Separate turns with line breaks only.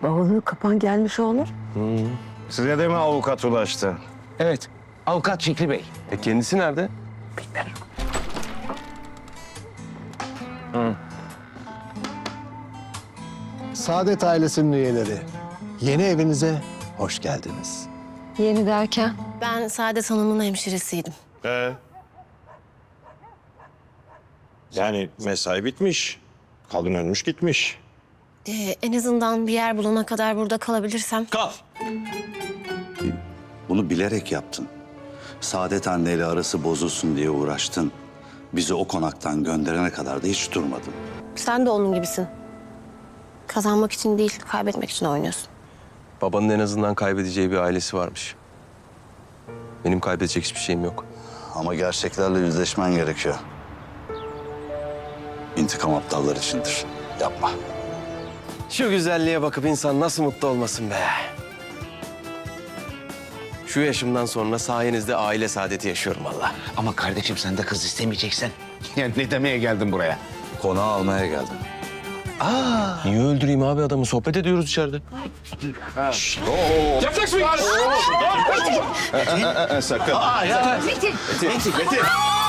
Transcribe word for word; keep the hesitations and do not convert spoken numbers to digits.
Bavulu kapan gelmiş olur.
Size de mi avukat ulaştı?
Evet. Avukat Fikri Bey.
E kendisi nerede?
Saadet ailesinin üyeleri, yeni evinize hoş geldiniz.
Yeni derken?
Ben Saadet Hanım'ın hemşiresiydim.
Ee? Yani mesai bitmiş. Kadın ölmüş gitmiş.
Ee, en azından bir yer bulana kadar burada kalabilirsem.
Kal.
Bunu bilerek yaptın. Saadet anneyle arası bozulsun diye uğraştın. Bizi o konaktan gönderene kadar da hiç durmadın.
Sen de onun gibisin. Kazanmak için değil, kaybetmek için oynuyorsun.
Babanın en azından kaybedeceği bir ailesi varmış. Benim kaybedecek hiçbir şeyim yok.
Ama gerçeklerle yüzleşmen gerekiyor. İntikam aptallar içindir. Yapma.
Şu güzelliğe bakıp insan nasıl mutlu olmasın be. Şu yaşımdan sonra sayenizde aile saadeti yaşıyorum vallahi.
Ama kardeşim sen de kız istemeyeceksen. Yani ne demeye geldin buraya?
Konağı almaya geldim.
Niye öldüreyim abi adamı? Sohbet ediyoruz içeride.
Sakın.
Metin, Metin.